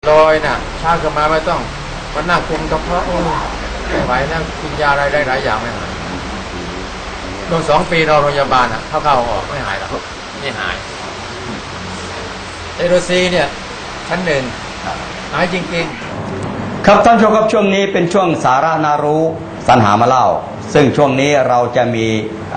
ลอยน่ะช้าขึ้นมาไม่ต้องมันนั่งคุมกระเพาะไม่ไหวนั่งกินยาอะไรได้หลายอย่างไม่หายโดน2 ปีนอนโรงพยาบาลอ่ะเข้าออกไม่หายหรอกนี่หายเอโรซีเนี่ยชั้น 1หายจริงๆครับท่านผู้ชมครับช่วงนี้เป็นช่วงสาระน่ารู้สรรหามาเล่าซึ่งช่วงนี้เราจะมี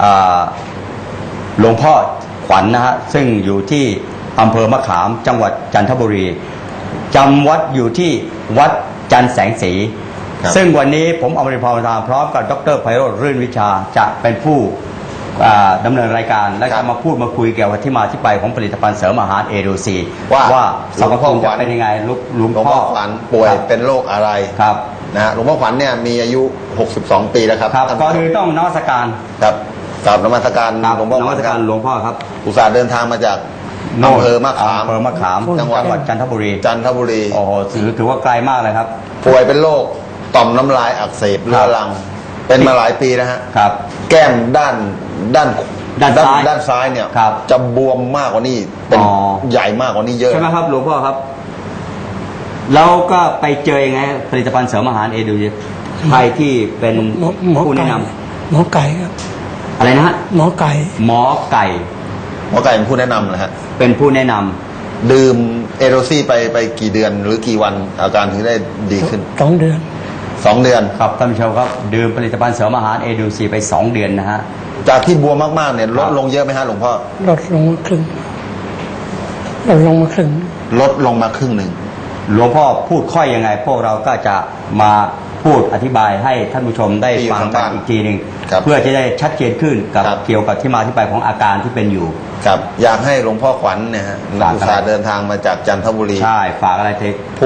หลวงพ่อขวัญนะฮะซึ่งอยู่ที่อำเภอมะขามจังหวัดจันทบุรีจำวัดอยู่ที่วัดจันแสงสีซึ่งวันนี้ผมอมรินทร์ พรหมธารพร้อมกับดร.ไพโรจน์ รื่นวิชาจะเป็นผู้ดำเนินรายการและจะมาพูดมาคุยเกี่ยวกับที่มาที่ไปของผลิตภัณฑ์เสริมอาหารเอโดซีว่าสรรพคุณจะเป็นยังไงหลวงพ่อขวัญป่วยเป็นโรคอะไรครับนะฮะหลวงพ่อขวัญเนี่ยมีอายุ62 ปีแล้วครับก็คือต้องนมัสการครับกราบนมัสการหลวงพ่อนมัสการหลวงพ่อครับอุตส่าห์เดินทางมาจากอำเภอมะขามจังหวัดจันทบุรีโอ้โหถือว่าไกลมากเลยครับป่วยเป็นโรคต่อมน้ำลายอักเสบเรื้อรังเป็นมาหลายปีนะฮะครับแก้มด้านซ้ายเนี่ยจะบวมมากกว่านี้เป็นใหญ่มากกว่านี้เยอะใช่ไหมครับหลวงพ่อครับแล้วก็ไปเจอยังไงผลิตภัณฑ์เสริมอาหารเอดูใครที่เป็นผู้แนะนำหมอไก่ครับอะไรนะฮะหมอไก่เป็นผู้แนะนำนะฮะเป็นผู้แนะนำดื่มเอโรซี่ไปกี่เดือนหรือกี่วันอาการถึงได้ดีขึ้น 2 เดือนครับท่านผู้ชมครับดื่มผลิตภัณฑ์เสริมอาหารเอดูซีไป2 เดือนนะฮะจากที่บวมมากๆเนี่ยลดลงเยอะไหมฮะหลวงพ่อลดลงมาครึ่งลดลงมาครึ่งหนึ่งหลวงพ่อพูดค่อยยังไงพวกเราก็จะมาพูดอธิบายให้ท่านผู้ชมได้ฟังกันอีกทีหนึ่งเพื่อจะได้ชัดเจนขึ้นกับเกี่ยวกับที่มาที่ไปของอาการที่เป็นอยู่ครับอยากให้หลวงพ่อขวัญเนี่ยฮะอุตส่าห์เดินทางมาจากจันทบุรีใช่ฝากอะไรเท